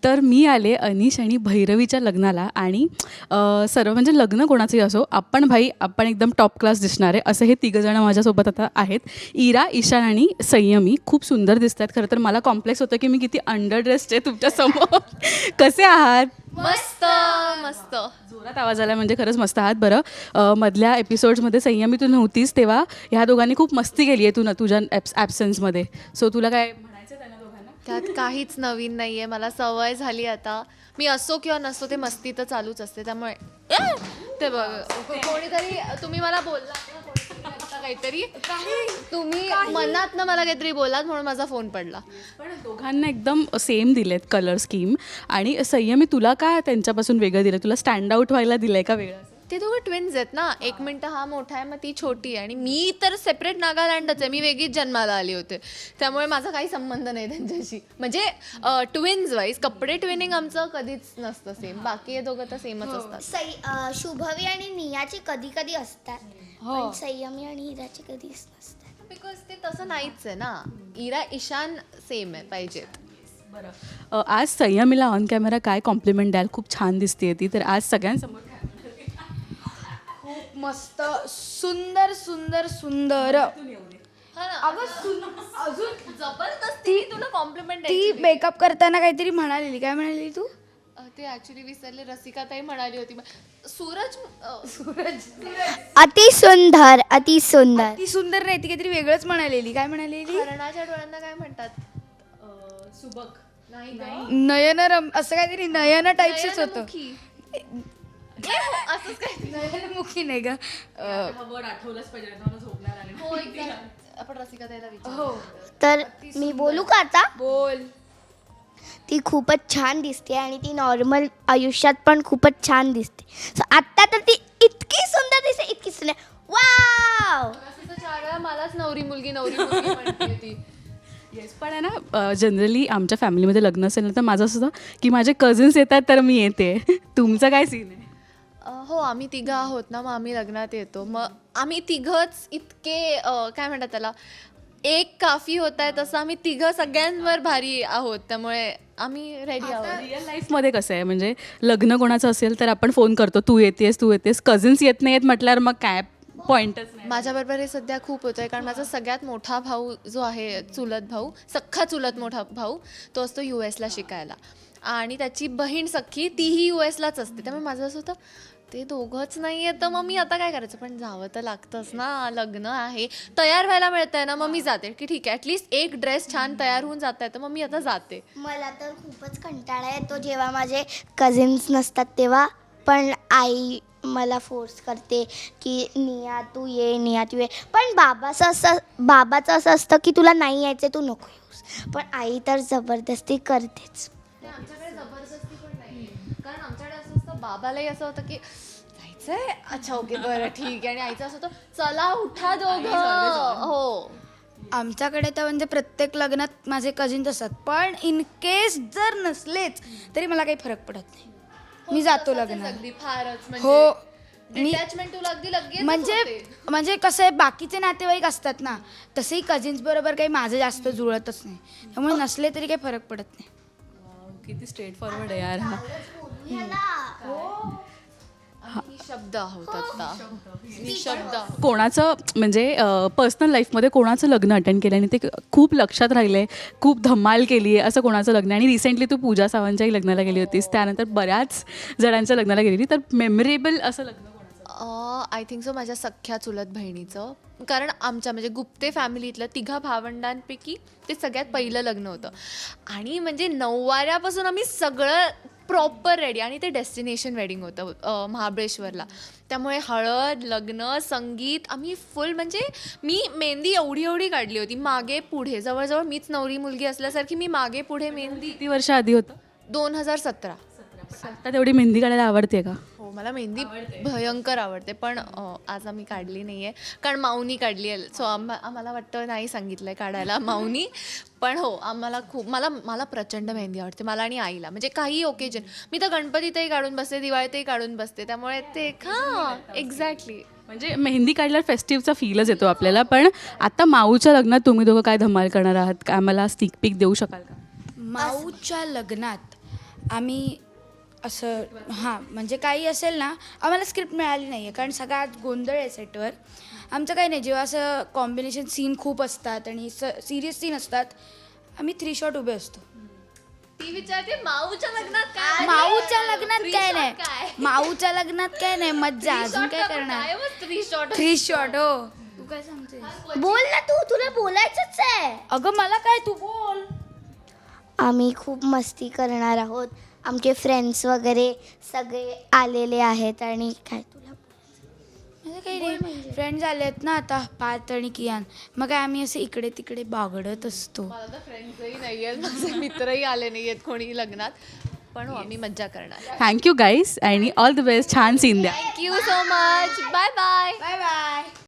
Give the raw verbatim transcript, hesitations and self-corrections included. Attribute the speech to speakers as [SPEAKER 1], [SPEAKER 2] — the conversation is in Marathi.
[SPEAKER 1] तर मी आले अनिश आणि भैरवीच्या लग्नाला आणि अ, सर्व म्हणजे लग्न कोणाचंही असो आपण भाई आपण एकदम टॉप क्लास दिसणार आहे असं हे तिघंजणं माझ्यासोबत आता आहेत. इरा, ईशान आणि संयमी खूप सुंदर दिसत आहेत. खरं तर मला कॉम्प्लेक्स होतं की मी किती अंडर ड्रेस्ड आहे तुमच्यासमोर. कसे आहात?
[SPEAKER 2] मस्त मस्त.
[SPEAKER 1] जोरात आवाज आला म्हणजे खरंच मस्त आहात. बरं अ, मधल्या एपिसोड्समध्ये संयमी तू नव्हतीस तेव्हा ह्या दोघांनी खूप मस्ती केली आहे तू न तुझ्या ॲब्स ॲब्सन्समध्ये. सो तुला काय म्हणायचं आहे त्यांना दोघांना?
[SPEAKER 2] त्यात काहीच नवीन नाहीये. मला सवय झाली आता. मी असो किंवा नसो ते मस्ती तर चालूच असते. त्यामुळे ए! ते बघ कोणीतरी तुम्ही मला बोललात ना कोणीतरी आता काहीतरी तुम्ही मनात ना मला काहीतरी बोलात म्हणून माझा फोन पडला.
[SPEAKER 1] पण दोघांना एकदम सेम दिलेत कलर स्कीम. आणि संयमी तुला का त्यांच्यापासून वेगळं दिलं? तुला स्टँड आउट व्हायला दिलंय का वेगळं?
[SPEAKER 2] ते दोघं ट्विन्स आहेत ना. एक मिनटं हा मोठा आहे मग ती छोटी आहे आणि मी तर सेपरेट नागालँडच आहे. मी वेगळीच जन्माला आली होते त्यामुळे माझा काही संबंध नाही त्यांच्याशी. म्हणजे ट्विन्स वाईज कपडे ट्विनिंग आमचं कधीच नसतं सेम. बाकी हे दोघं तर सेमच असतात.
[SPEAKER 3] सई अ, शुभवी आणि नियाचे कधी कधी असतात पण संयमी आणि हिराचे कधीच नसतात.
[SPEAKER 2] बिकॉज ते तसं नाहीच आहे ना. इरा ईशान सेम आहे पाहिजेत.
[SPEAKER 1] बरं अ, आज संयमीला ऑन कॅमेरा काय कॉम्प्लिमेंट द्याल? खूप छान दिसते ती तर आज सगळ्यांसमोर काय?
[SPEAKER 4] खूप मस्त सुंदर सुंदर सुंदर अगं सुन अजून
[SPEAKER 2] जबरदस्ती तुला कॉम्प्लिमेंट
[SPEAKER 4] ती मेकअप करताना काहीतरी म्हणालेली. काय म्हणाली तू?
[SPEAKER 2] ते ऍक्च्युली विसरले. रसिका ताई म्हणाली होती सूरज अ,
[SPEAKER 3] अति सुंदर अति सुंदर.
[SPEAKER 4] ती सुंदर नाही, ती काहीतरी वेगळंच म्हणालेली. काय म्हणालेली?
[SPEAKER 2] हरणाच्या डोळ्यांना काय म्हणतात?
[SPEAKER 1] सुबक
[SPEAKER 2] नाही गं.
[SPEAKER 4] नयनरम असं काहीतरी नयन टाईपच होतं.
[SPEAKER 2] नयनमुखी. असंच काय
[SPEAKER 4] नयनमुखी नाही का?
[SPEAKER 1] आठवलंच पाहिजे झोपणार आणि
[SPEAKER 2] हो exact. आपण रसिका ताईला विचारू.
[SPEAKER 4] हो
[SPEAKER 3] तर मी बोलू का आता?
[SPEAKER 4] बोल.
[SPEAKER 3] ती खूपच छान दिसते आणि ती नॉर्मल आयुष्यात पण खूपच छान दिसते. So, आत्ता तर ती इतकी सुंदर दिसते इतकी सुंदर. वाव.
[SPEAKER 2] असं तर चार वेळा मलाच नवरी मुलगी नवरी मुलगी म्हणते ती.
[SPEAKER 1] येस पण आहे ना जनरली आमच्या फॅमिलीमध्ये लग्न असेल ना तर माझं असं होतं की माझे कझिन्स येतात तर मी येते. तुमचं काय सीन आहे?
[SPEAKER 2] अ, हो आम्ही तिघं आहोत ना मग आम्ही लग्नात येतो. मग आम्ही तिघंच इतके अ, काय म्हणतात त्याला एक काफी होत आहे तसं आम्ही तिघं सगळ्यांवर भारी आहोत त्यामुळे आम्ही रेडी आहोत.
[SPEAKER 1] रिअल लाईफमध्ये कसं आहे म्हणजे लग्न कोणाचं असेल तर आपण फोन करतो तू येतेस तू येतेस. कझिन्स येत नाही येत म्हटल्यावर मग काय पॉईंटच नाही.
[SPEAKER 2] माझ्याबरोबर हे सध्या खूप होतं आहे कारण माझा सगळ्यात मोठा भाऊ जो आहे चुलत भाऊ सख्खा चुलत मोठा भाऊ तो असतो यू एसला शिकायला आणि त्याची बहीण सख्खी तीही यू एसलाच असते. त्यामुळे माझं असं होतं ते दोघंच नाही आहे तर मग मी आता काय करायचं. पण जावं तर लागतंच ना. लग्न आहे तयार व्हायला मिळतंय ना मग मी जाते की ठीक आहे ॲटलिस्ट एक ड्रेस छान तयार होऊन जात आहे तर मग मी आता जाते.
[SPEAKER 3] मला तर खूपच कंटाळा येतो जेव्हा माझे कझिन्स नसतात तेव्हा. पण आई मला फोर्स करते की निया तू ये निया तू ये. पण बाबाचं असं बाबाचं असं असतं की तुला नाही यायचं तू नको येऊस. पण आई तर जबरदस्ती करतेच.
[SPEAKER 2] ते आमच्याकडे जबरदस्ती पण नाही कारण आमच्याकडे असं असतं बाबालाही असं होतं की जायचंय अच्छा ओके बरं ठीक आहे आणि आईचं असं होतं चला उठा दोघं. हो
[SPEAKER 4] आमच्याकडे तर म्हणजे प्रत्येक लग्नात माझे कझिन्स असतात पण इन केस जर नसलेच तरी मला काही फरक पडत नाही. मी जातो
[SPEAKER 2] तसंच आहे
[SPEAKER 4] लग्नात.
[SPEAKER 2] अगदी फारच
[SPEAKER 4] हो
[SPEAKER 2] म्हणजे
[SPEAKER 4] मी
[SPEAKER 2] डिटॅचमेंट तुला अगदी लगेच
[SPEAKER 4] म्हणजे म्हणजे कसं आहे बाकीचे नातेवाईक असतात ना तसेही कझिन्स बरोबर काही माझं जास्त जुळतच नाही त्यामुळे नसले तरी काही फरक पडत नाही.
[SPEAKER 1] किती स्ट्रेट फॉरवर्ड आहे यार हा.
[SPEAKER 2] ही शब्द आहोत आता ही शब्द
[SPEAKER 1] कोणाचं म्हणजे पर्सनल लाईफमध्ये कोणाचं लग्न अटेंड केलं आणि ते खूप लक्षात राहिले खूप धमाल केली आहे असं कोणाचं लग्न? आणि रिसेंटली तू पूजा सावंतच्याही लग्नाला गेली होतीस त्यानंतर बऱ्याच जणांच्या लग्नाला गेलेली तर मेमरेबल असं लग्न कोणाचं?
[SPEAKER 2] आय थिंक सो माझ्या सख्ख्या चुलत बहिणीचं. कारण आमच्या म्हणजे गुप्ते फॅमिलीतलं तिघा भावंडांपैकी ते सगळ्यात पहिलं लग्न होतं आणि म्हणजे नऊवाऱ्यापासून आम्ही सगळं प्रॉपर रेडी आणि ते डेस्टिनेशन वेडिंग होतं अ, महाबळेश्वरला. त्यामुळे हळद लग्न संगीत आम्ही फुल म्हणजे मी मेहंदी एवढी एवढी काढली होती मागे पुढे जवळजवळ मीच नवरी मुलगी असल्यासारखी मी मागे पुढे मेहंदी.
[SPEAKER 1] किती वर्ष आधी होतं?
[SPEAKER 2] दोन हजार सतरा.
[SPEAKER 1] आता तेवढी मेहंदी काढायला आवडते का?
[SPEAKER 2] हो मला मेहंदी भयंकर आवडते पण अ, आज आम्ही काढली नाही आहे कारण माऊनी काढली आहे. सो आम्हा आम्हाला वाटतं नाही सांगितलं आहे काढायला माऊनी. पण हो आम्हाला खूप मला मला प्रचंड मेहंदी आवडते मला आणि आईला. म्हणजे काही ओकेजन मी तर गणपतीतही काढून बसते दिवाळीतही काढून बसते त्यामुळे ते हां एक्झॅक्टली.
[SPEAKER 1] म्हणजे मेहंदी काढल्यावर फेस्टिव्हचा फीलच येतो आपल्याला. पण आता माऊच्या लग्नात तुम्ही दोघं काय धमाल करणार आहात? काय मला स्टिक पिक देऊ शकाल का?
[SPEAKER 4] माऊच्या लग्नात आम्ही असं हां म्हणजे काही असेल ना आम्हाला स्क्रिप्ट मिळाली नाही आहे कारण सगळ्यात गोंधळ आहे सेटवर. आमचं काही नाही, जेव्हा असं कॉम्बिनेशन सीन खूप असतात आणि स सिरियस सीन असतात आम्ही थ्री शॉट उभे असतो.
[SPEAKER 2] ती विचारते माऊच्या लग्नात काय
[SPEAKER 4] माऊच्या लग्नात
[SPEAKER 2] Three
[SPEAKER 4] काय
[SPEAKER 2] shot
[SPEAKER 4] नाही,
[SPEAKER 2] काय?
[SPEAKER 4] माऊच्या लग्नात काय नाही, मज्जा अजून काय करणार.
[SPEAKER 2] थ्री शॉट
[SPEAKER 4] थ्री शॉट हो. तू काय सांगते?
[SPEAKER 3] बोल ना तू, तुला बोलायचंच आहे.
[SPEAKER 4] अगं मला काय, तू बोल.
[SPEAKER 3] आम्ही खूप मस्ती करणार आहोत. आमचे फ्रेंड्स वगैरे सगळे आलेले आहेत आणि काय तुला
[SPEAKER 4] म्हणजे काही नाही, फ्रेंड्स आले आहेत ना आता पार्थ आणि कियान, मग काय आम्ही असे इकडे तिकडे बागडत असतो.
[SPEAKER 2] मला तर फ्रेंड्सही नाही आहेत, माझे मित्रही आले नाही आहेत कोणी लग्नात, पण हो आम्ही मज्जा करणार.
[SPEAKER 1] थँक्यू गाईज आणि ऑल द बेस्ट. छान सीन द्या.
[SPEAKER 2] Thank you so much. Bye bye.
[SPEAKER 4] Bye bye.